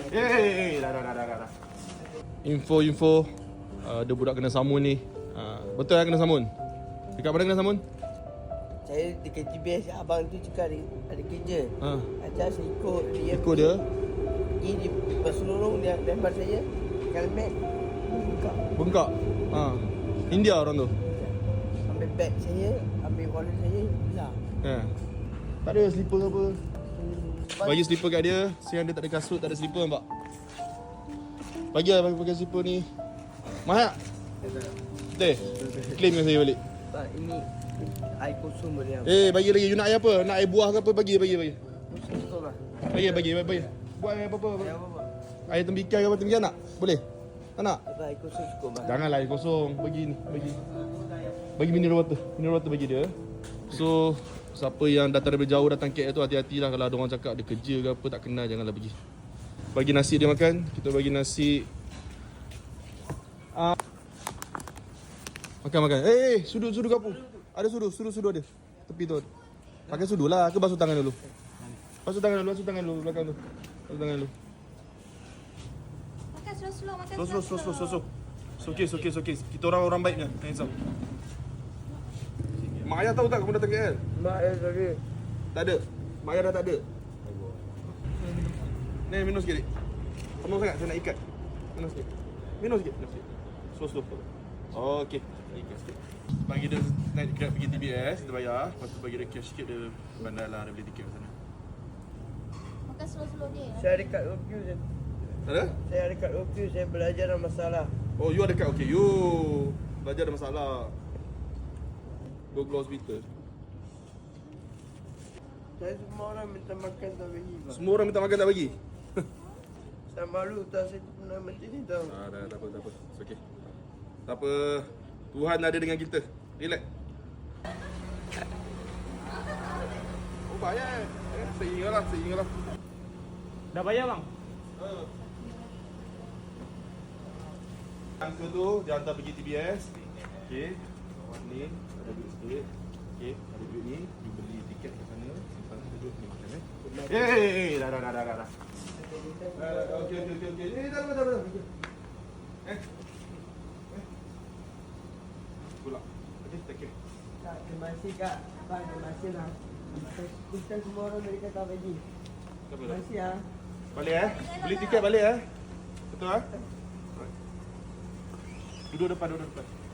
Dah. Info ada budak kena samun ni. Betul kena samun? Dekat mana kena samun? Saya dekat GBS, abang tu cakap ada kerja. Ajar saya ikut dia. Ikut dia? Pergi di Pasulurung, dia lempar saya helmet, Bengkak? India orang tu? ambil beg saya, ambil wallet saya, hilang. Tak ada slipper ke apa? Bagi slipper kat dia. Siang dia tak ada kasut, tak ada slipper nampak? Bagi lah pakai slipper ni. Mahal tak? Betul? Claim dengan saya balik. Pak, ini air kosong boleh. Bagi lagi. You nak air apa? Nak air buah ke apa? Bagi. Kosong betul lah. Bagi. Buat air apa-apa. Air apa? Air tembikai ke apa? Tembikai nak? Boleh? Tak nak? Air kosong cukup lah. Janganlah air kosong. Bagi ni. Bagi mineral water. Mineral water bagi dia. So, siapa yang datang dari jauh datang KL tu hati-hatilah. Kalau ada orang cakap dia kerja ke apa tak kenal, janganlah bagi. Bagi nasi dia makan. Kita bagi nasi. Makan. Sudu kapur. Ada sudu ada. Tepi tu. Pakai sudu lah. Ke basuh tangan dulu. Basuh tangan dulu belakang tu. Basuh tangan dulu. Makan slow-slow, makan Slow. Okey. Kita orang baiknya. Handsome. Mak ayah tahu tak kamu datang KL? Mak ayah tadi. Tak ada. Mak ayah dah tak ada. Ni minum sikit. Penuh sangat saya nak ikat. Minum sikit. Slow. Okey. Ikat sikit. Bagi dia naik grab pergi TBS, kita bayar. Lepas tu bagi dia cash sikit, dia bandar lah, dia beli tiket kat sana. Makan slow-slow dia. Saya ada kat OQ je. Ada? Saya ada kat OQ, saya belajar dalam masalah. Oh, you ada kat okey. You belajar ada masalah. Go ke hospital. Saya semua orang minta makan tak bagi, Pak. Semua orang minta makan tak bagi? Saya malu tak saya pernah macam ni tau. Dah, tak apa. It's okay. Tak apa. Tuhan ada dengan kita. Relax. Oh, bayar. Saya ingatlah. Dah bayar bang? Angka tu dia hantar pergi TBS. Okey. Bawah ni ada duit sikit. Okey, ada duit ni, you beli tiket kat sana, simpan ada duit ni makan dah. Okey. Dah. Pula. Okey, take care. Kak, terima kasih Kak. Pak, terima kasih lah. Kita semua orang dari kata bagi. Terima kasih ya. Balik beli tiket balik Betul Duduk depan.